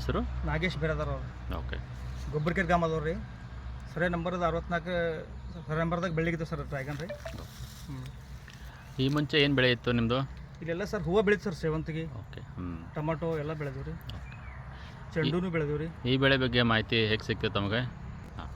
ಹೆಸರು? ನಾಗೇಶ್ ಬೇರೆದಾರ ಅವ್ರು. ಓಕೆ. ಗೊಬ್ಬರಕೆರೆ ಗ್ರಾಮದವ್ರು ರೀ. ಸರಿ ನಂಬರ್ದು 64 ಸರಿ ನಂಬರ್ದಾಗ ಬೆಳಿಗ್ಗೆ ಸರ್ ಡ್ರ್ಯಾಗನ್ ರೀ. ಈ ಮುಂಚೆ ಏನು ಬೆಳೆ ಇತ್ತು ನಿಮ್ಮದು? ಇಲ್ಲೆಲ್ಲ ಸರ್ ಹೂವು ಬೆಳೀತು ಸರ್, ಸೇವಂತಿಗೆ, ಓಕೆ. ಟೊಮಾಟೊ ಎಲ್ಲ ಬೆಳೆದೀವಿ ರೀ. ಚೆಂಡೂ ಬೆಳೆದೀವಿ ರೀ. ಈ ಬೆಳೆ ಬಗ್ಗೆ ಮಾಹಿತಿ ಹೇಗೆ ಸಿಗ್ತದೆ ತಮಗೆ? ಹಾಂ,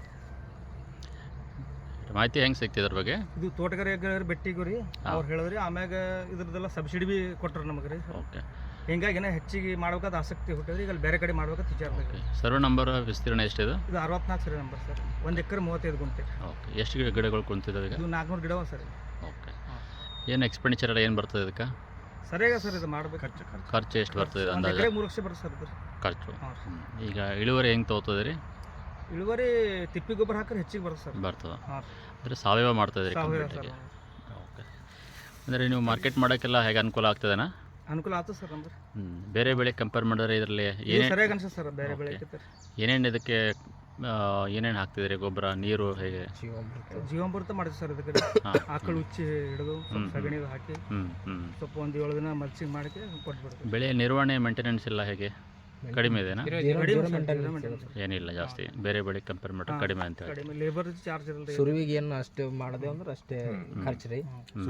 ಮಾಹಿತಿ ಹೆಂಗೆ ಸಿಗ್ತದೆ ಅದ್ರ ಬಗ್ಗೆ? ಇದು ತೋಟಗಾರಿಕೆ ಬೆಟ್ಟಿಗೂ ರೀ ಅವ್ರು ಹೇಳಿದ್ರಿ. ಆಮ್ಯಾಗ ಇದ್ರದ್ದೆಲ್ಲ ಸಬ್ಸಿಡಿ ಭೀ ಕೊಟ್ಟರು ನಮಗೆ ರೀ. ಓಕೆ. ಹಿಂಗಾಗಿ ಏನೋ ಹೆಚ್ಚಿಗೆ ಮಾಡ್ಬೇಕಾದ ಆಸಕ್ತಿ ಹುಟ್ಟಿದ್ರಿ. ಈಗ ಅಲ್ಲಿ ಬೇರೆ ಕಡೆ ಮಾಡ್ಬೇಕಂತ ವಿಚಾರ. ಸರ್ವೆ ನಂಬರ್ ವಿಸ್ತೀರ್ಣ ಎಷ್ಟಿದೆ? ಇದು 64 ಸರಿ ನಂಬರ್ ಸರ್. 1 ಎಕರೆ 35 ಗುಂಟೆ. ಓಕೆ. ಎಷ್ಟು ಗಿಡಗಳು ಕುಂತಿದ್ದಾವೆ ಈಗ? ಇದು 400 ಗಿಡವ ಸರ್. ಓಕೆ. ಏನು ಎಕ್ಸ್ಪೆಂಡಿಚರ್ ಎಲ್ಲ ಏನು ಬರ್ತದೆ ಇದಕ್ಕೆ? ಸರಿಯಾಗ ಸರ್ ಇದು ಮಾಡ್ಬೇಕು. ಖರ್ಚು ಎಷ್ಟು ಬರ್ತದೆ ಅಂದಾಜು? 1 ಎಕರೆ 3 ಲಕ್ಷ ಬರ್ತದೆ ಸರ್ ಇದು ಖರ್ಚು. ಈಗ ಇಳುವರಿ ಹೆಂಗೆ ತೊಗೋತದೆ ರೀ? ಇಳುವರಿ ತಿಪ್ಪಿ ಗೊಬ್ಬರ ಹಾಕಿದ್ರೆ ಹೆಚ್ಚಿಗೆ ಬರುತ್ತೆ ಸರ್. ಬರ್ತದೆ. ಅಂದರೆ ಸಾವಯವ ಮಾಡ್ತಾಯಿದ್ರಿ ಕಂಪ್ಲೀಟಾಗಿ? ಓಕೆ. ಅಂದರೆ ನೀವು ಮಾರ್ಕೆಟ್ ಮಾಡೋಕ್ಕೆಲ್ಲ ಹೇಗೆ ಅನುಕೂಲ ಆಗ್ತದೇನಾ? ಅನುಕೂಲ ಆಗ್ತದೆ ಸರ್. ಅಂದ್ರೆ ಬೇರೆ ಬೆಳೆ ಕಂಪೇರ್ ಮಾಡಿದ್ರೆ ಇದರಲ್ಲಿ ಸರಿಯಾಗಿ ಅನ್ಸುತ್ತೆ ಸರ್. ಬೇರೆ ಬೆಳೆ ಏನೇನು ಇದಕ್ಕೆ ಏನೇನು ಹಾಕ್ತಿದ್ರಿ? ಗೊಬ್ಬರ, ನೀರು ಹೇಗೆ? ಜೀವಾಮೃತ ಮಾಡಿದ್ವಿ ಸರ್. ಇದಕ್ಕೆ ಆಕಳು ಉಚ್ಚಿ ಹಿಡಿದು ಸಗಣಿ ಹಾಕಿ ಸ್ವಲ್ಪ 1-7 ದಿನ ಮಲ್ಚಿಂಗ್ ಮಾಡಿ ಕೊಟ್ಬಿಡ್ತೀವಿ. ಬೆಳೆ ನಿರ್ವಹಣೆ ಮೇಂಟೆನೆನ್ಸ್ ಎಲ್ಲ ಹೇಗೆ? ಕಡಿಮೆ ಇದೆನಾ? ಏನಿಲ್ಲ ಜಾಸ್ತಿ. ಬೇರೆ ಬೆಳೆ ಕಂಪೇರ್ ಮಾಡಿದ್ರೆ ಕಡಿಮೆ ಅಂತ ಹೇಳಿ. ಲೇಬರ್ ಚಾರ್ಜ್ ಇರಲ್ಲ. ಸುರುವಿಗೆ ಏನು ಅಷ್ಟು ಮಾಡಿದೆ ಅಂದ್ರೆ ಅಷ್ಟೇ ಖರ್ಚು ರೀ.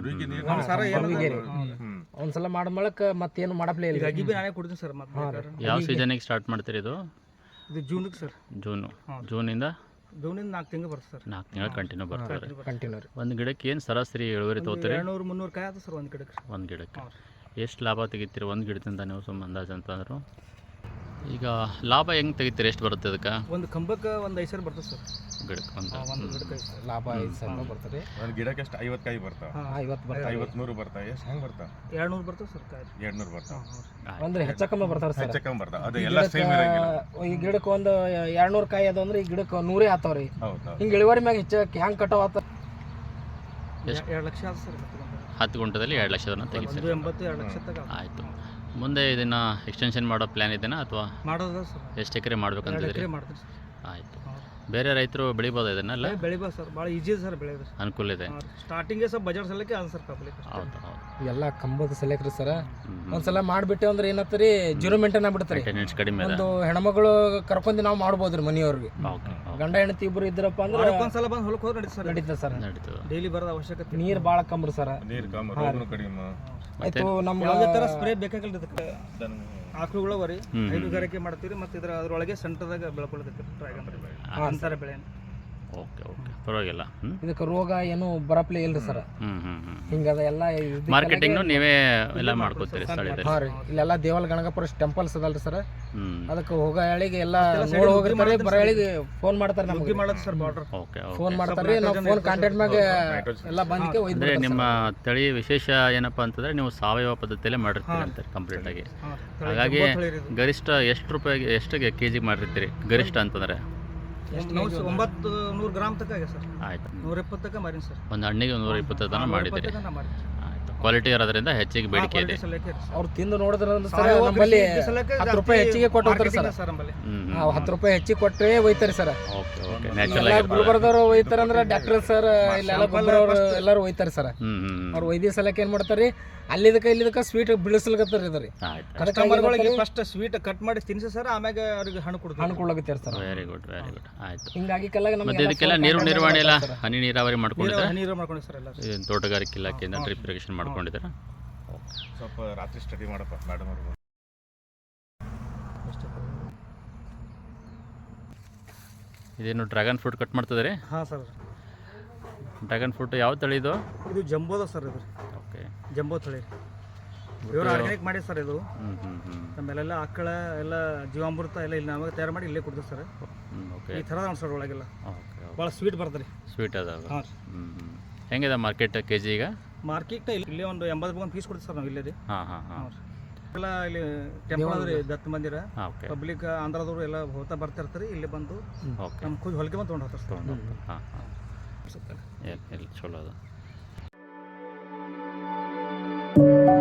ಒಂದ್ಸಲ ಮಾಡಮಳಕ್ಕೆ ಮತ್ತೇನು ಮಾಡಪ್ಲೇ ಇಲ್ಲ. ಅಗಿ ಬಿ ನಾನೇ ಕೊಡ್ತೀನಿ ಸರ್. ಮತ್ತೆ ಯಾವ ಸೀಸನಿಗೆ ಸ್ಟಾರ್ಟ್ ಮಾಡ್ತೀರಿ ಇದು? ಇದು ಜೂನ್ಗೆ ಸರ್. ಜೂನಿಂದ 4 ತಿಂಗಳು ಬರುತ್ತೆ ಸರ್. 4 ತಿಂಗಳು ಕಂಟಿನ್ಯೂ ಬರ್ತದೆ. ಕಂಟಿನ್ಯೂ. ಒಂದು ಗಿಡಕ್ಕೆ ಏನು ಸರಾಸರಿ ಇಳುವರಿ ತೊಗೋತೀರಿ? 200-300 ಕಾಯಿ ಆಯ್ತು ಸರ್ ಒಂದು ಗಿಡಕ್ಕೆ. ಒಂದು ಗಿಡಕ್ಕೆ ಎಷ್ಟು ಲಾಭ ತೆಗಿತೀರಿ ಒಂದು ಗಿಡದಿಂದ ನೀವು? ಸುಮ್ಮ ಅಂದಾಜು ಅಂತಂದ್ರು ಈಗ ಲಾಭ ಹೆಂಗೆ ತೆಗಿತೀರಿ? ಎಷ್ಟು ಬರುತ್ತೆ ಅದಕ್ಕೆ? ಒಂದು ಕಂಬಕ್ಕೆ 1 5 ಸಾವಿರ ಬರ್ತದೆ ಸರ್. ಗಿಡಕ್ಕೆ ಒಂದು ಗಿಡಕ್ಕೆ ಲಾಭ 5 ಸಾವಿರ ಬರ್ತದೆ. ಒಂದು ಗಿಡಕ್ಕೆ ಎಷ್ಟು 50 ಕಾಯಿ ಬರ್ತಾವೆ? 50 ಬರ್ತಾವೆ. 50-100 ಬರ್ತಾವೆ. ಎಷ್ಟು ಹೆಂಗೆ ಬರ್ತಾವೆ? 200 ಬರ್ತದೆ ಸರ್ ಕಾಯಿ. 200 ಬರ್ತಾವೆ. ಅಂದ್ರೆ ಹೆಚ್ಚಕಮ್ಮ ಬರ್ತಾರೆ ಸರ್. ಹೆಚ್ಚಕಮ್ಮ ಬರ್ತಾವೆ. ಅದು ಎಲ್ಲ ಸೇಮ್ ಇರಂಗಿಲ್ಲ. ಈ ಗಿಡಕ್ಕೆ ಒಂದು 200 ಕಾಯಿ ಅದು ಅಂದ್ರೆ ಈ ಗಿಡಕ್ಕೆ 100 ಆತಾವ್ರಿ. ಹೌದು. ಹಿಂಗೆ ಇಳುವರಿ ಮ್ಯಾಗ ಹೆಚ್ಚಕ್ಕೆ ಹೆಂಗೆ ಕಟಾವ್ ಆತ? 2 ಲಕ್ಷ ಆಯ್ತು ಸರ್. 10 ಗುಂಟದಲ್ಲಿ 2 ಲಕ್ಷದನ್ನ ತೆಗಿತೀರಿ. 180-2 ಲಕ್ಷ ತಗ. ಆಯಿತು. ಮುಂದೆ ಇದನ್ನು ಎಕ್ಸ್ಟೆನ್ಷನ್ ಮಾಡೋ ಪ್ಲ್ಯಾನ್ ಇದೆಯಾ ಅಥವಾ ಮಾಡೋದ ಸರ್? ಎಷ್ಟು ಎಕರೆ ಮಾಡ್ಬೇಕಂತಿದ್ರಿ? ಮಾಡ್ತೀವಿ ಸರ್. ಆಯಿತು. ಬೇರೆ ರೈತರು ಬೆಳಿಬೋದು ಇದನ್ನೆಲ್ಲ? ಬೆಳಿಬೋದು ಸರ್. ಭಾಳ ಈಜಿ ಇದೆ ಸರ್ ಬೆಳೆಯೋದು. ಅನುಕೂಲ ಇದೆ. ಸ್ಟಾರ್ಟಿಂಗ್ಗೆ ಸ್ವಲ್ಪ ಬಜೆಟ್ ಸಲಕ್ಕೆ ಅದು ಸರ್ ಪಬ್ಲಿಕ್. ಹೌದು ಹೌದು. ಎಲ್ಲ ಕಂಬದ ಸೆಲೆಕ್ಟ್ರಿ ಸರ್. ಒಂದ್ಸಲ ಮಾಡಿಬಿಟ್ಟೆ ಅಂದ್ರೆ ಏನತ್ತರಿ ಜೀರೋ ಮೇಂಟೈನ್ ಆಗ್ಬಿಡ್ತಾರೆ. ಮೇಂಟೆನೆನ್ಸ್ ಕಡಿಮೆ. ಒಂದು ಹೆಣ್ಮಗಳು ಕರ್ಕೊಂಡು ನಾವು ಮಾಡ್ಬೋದ್ರಿ ಮನೆಯವ್ರಿಗೆ. ಓಕೆ. ಗಂಡ ಹೆಂಡತಿ ಇಬ್ಬರು ಇದ್ರಪ್ಪ ಅಂದ್ರೆ ಒಂದ್ಸಲ ಬಂದು ಹೊಲಕ್ಕೆ ಹೋದ್ರೆ ನಡೀತದೆ ಸರ್. ನಡೀತದೆ ಸರ್. ನಡೀತದೆ. ಡೈಲಿ ಬರೋದು ಅವಶ್ಯಕತೆ. ನೀರು ಭಾಳ ಕಮ್ರಿ ಸರ್. ನೀರು ಕಮ್ಮಿ, ರೋಗನೂ ಕಡಿಮೆ. ಆಯ್ತು. ನಮ್ಮ ಯಾವುದೇ ಥರ ಸ್ಪ್ರೇ ಬೇಕಾಗಿಲ್ಲ ಇದಕ್ಕೆ. ಆಕಳುಗಳ ವರಿ ಹೈನುಗಾರಿಕೆ ಮಾಡ್ತೀವಿ. ಮತ್ತು ಅದರೊಳಗೆ ಸೆಂಟರ್ದಾಗ ಬೆಳ್ಕೊಳ್ಳೋದಕ್ಕೆ ಡ್ರ್ಯಾಗನ್ ಅಂತಾರೆ ಬೆಳೆ. ಓಕೆ ಓಕೆ, ಪರವಾಗಿಲ್ಲ. ಇದಕ್ಕೆ ರೋಗ ಏನು ಬರಪ್ಲೇ ಇಲ್ರಿ ಸರ್. ಹಿಂಗದ ಎಲ್ಲ ಮಾರ್ಕೆಟಿಂಗ್ನು ನೀವೇ ಎಲ್ಲ ಮಾಡ್ಕೋತೀರಿ ಸ್ಥಳದಲ್ಲಿ? ಹಾಂ ರೀ. ಇಲ್ಲೆಲ್ಲ ದೇವಲ್ ಗಣಗಪುರ ಟೆಂಪಲ್ಸ್ ಅದಲ್ರಿ ಸರ್. ಅದಕ್ಕೆ ಹೋಗೋ ಹೇಳಿಗೆ ಎಲ್ಲ ನೋಡಿ ಹೋಗಿರ್ತಾರೆ. ಬರೋ ಹೇಳಿಗೆ ಫೋನ್ ಮಾಡ್ತಾರೆ ನಮಗೆ. ಮಾಡೋದು ಸರ್ ಬಾರ್ಡರ್. ಓಕೆ. ಫೋನ್ ಮಾಡ್ತಾರೆ. ನಾವು ಫೋನ್ ಕಾಂಟ್ಯಾಕ್ಟ್ ಮ್ಯಾಗೆ ಎಲ್ಲ ಬಂದಕ್ಕೆ ಅಂದರೆ ನಿಮ್ಮ ತಳಿ ವಿಶೇಷ ಏನಪ್ಪ ಅಂತಂದರೆ ನೀವು ಸಾವಯವ ಪದ್ಧತಿಯಲ್ಲೇ ಮಾಡಿರ್ತೀರಿ ಅಂತಾರೆ ಕಂಪ್ಲೀಟಾಗಿ. ಹಾಗಾಗಿ ಗರಿಷ್ಠ ಎಷ್ಟು ರೂಪಾಯಿಗೆ ಎಷ್ಟಿಗೆ ಕೆಜಿಗೆ ಮಾಡಿರ್ತೀರಿ ಗರಿಷ್ಠ ಅಂತಂದರೆ? 900 ಗ್ರಾಮ್ ತನಕ ಆಗಿದೆ ಸರ್. ಆಯಿತು. 120 ತನಕ ಮಾರಿನಿ ಸರ್. ಒಂದು ಹಣ್ಣಿಗೆ 120 ತನಕ ಮಾಡಿದ್ದೀರಿ. ಆಯಿತು. ಕ್ವಾಲಿಟಿ ಇರೋದ್ರಿಂದ ಹೆಚ್ಚಿಗೆ ಬೇಡಿಕೆ ಇದೆ. ಅವ್ರು ತಿಂದು ನೋಡಿದ್ರೆ ಸರ್ ನಮ್ಮಲ್ಲಿ 10 ರೂಪಾಯಿ ಹೆಚ್ಚಿಗೆ ಕೊಟ್ಟು ಹೋಗ್ತಾರೆ ಸರ್. ನಾವು 10 ರೂಪಾಯಿ ಹೆಚ್ಚಿಗೆ ಕೊಟ್ಟರೆ ಒಯ್ತಾರೆ ಸರ್. Okay okay. ನ್ಯಾಚುರಲ್ ಆಗಿ ಗುಲ್ಬರ್ಗದವ್ರು ಒಯ್ತಾರೆ ಅಂದ್ರೆ ಡಾಕ್ಟರ್ ಸರ್ ಇಲ್ಲೆಲ್ಲ ಗೊಬ್ಬರವ್ರು ಎಲ್ಲರೂ ಒಯ್ತಾರೆ ಸರ್. ಅವ್ರು ಒಯ್ದಿ ಸಲಕ್ಕೆ ಏನು ಮಾಡ್ತಾರೆ, ಇಲ್ಲಿದಕ್ಕೆ ಸ್ವೀಟ್ ಬೀಳಿಸ್ಲಿಕತ್ತಾರೆ ಇದ್ರಿ. ಕಸ್ಟಮರ್ಗಳಿಗೆ ಫಸ್ಟ್ ಸ್ವೀಟ್ ಕಟ್ ಮಾಡಿ ತಿನ್ಸಿ ಸರ್, ಆಮ್ಯಾಗ ಅವ್ರಿಗೆ ಹಣ್ಣು ಕೊಡ್ಲಾಕತ್ತಾರೆ sir. Very good very good. ಆಯಿತು. ಹಿಂಗಾಗಿ ಕೆಲ ಮತ್ತೆ ಇದಕ್ಕೆಲ್ಲ ನೀರು ನಿರ್ವಹಣೆ ಎಲ್ಲ ಹನಿ ನೀರಾವರಿ ಮಾಡ್ಕೊಂಡಿದ್ದಾರೆ? ನೀರು ಮಾಡ್ಕೊಂಡು ಸರ್ ಎಲ್ಲ. ತೋಟಗಾರಿಕೆ ಇಲಾಖೆಯಿಂದ ಡ್ರಿಪ್ ಇರಿಗೇಷನ್ ಮಾಡ್ಕೊಂಡಿದ್ದಾರೆ? ಸ್ವಲ್ಪ ರಾತ್ರಿ ಸ್ಟಡಿ ಮಾಡಪ್ಪ ಮೇಡಮ್ ಅವರು. ಇದೇನು ಡ್ರ್ಯಾಗನ್ ಫ್ರೂಟ್ ಕಟ್ ಮಾಡ್ತಿದ್ದಾರೆ? ಹಾಂ ಸರ್. ಡ್ರ್ಯಾಗನ್ ಫ್ರೂಟ್ ಯಾವ ತಳಿ ಇದು? ಇದು ಜಂಬೋದ ಸರ್. ಇದು ಓಕೆ. ಜಂಬೋ ತಳಿ. ಇವರು ಆರ್ಗ್ಯಾನಿಕ್ ಮಾಡಿ ಸರ್. ಇದು ನಮ್ಮೆಲ್ಲ ಆಕಳ ಎಲ್ಲ ಜೀವಾಮೃತ ಎಲ್ಲ ಇಲ್ಲಿ ನಾವಾಗ ತಯಾರು ಮಾಡಿ ಇಲ್ಲೇ ಕೊಡ್ತೀವಿ ಸರ್. ಓಕೆ. ಈ ಥರದ ಸರ್ ಒಳಗೆಲ್ಲ ಓಕೆ. ಭಾಳ ಸ್ವೀಟ್ ಬರ್ತದೆ ರೀ. ಸ್ವೀಟ್ ಅದಾವ? ಹಾಂ. ಹೆಂಗಿದೆ ಮಾರ್ಕೆಟ್ ಕೆ ಜಿ ಈಗ? ಮಾರ್ಕೆಟ್ ಇಲ್ಲೇ ಒಂದು 80 ರೂಪಾಯಿ ಪೀಸ್ ಕೊಡ್ತೀವಿ ಸರ್ ನಾವು ಇಲ್ಲೇ ರೀ. ಹಾಂ ಹಾಂ ಹಾಂ. ಎಲ್ಲ ಇಲ್ಲಿ ಟೆಂಪಲ್ ಅದ ರೀ, ದತ್ತ ಮಂದಿರ. ಓಕೆ. ಪಬ್ಲಿಕ್ ಆಂಧ್ರದವರು ಎಲ್ಲ ಹೋಗ್ತಾ ಬರ್ತಿರ್ತಾರೆ. ಇಲ್ಲಿ ಬಂದು ಓಕೆ. ನಮ್ಮ ಖುದ್ದು ಹೊಲಿಗೆ ಬಂದು ತೊಗೊಂಡು ಹೋಗ್ತಾರೆ ಸರ್. ಹಾಂ ಹಾಂ. ಇಲ್ಲ ಚಲೋ ಅದು.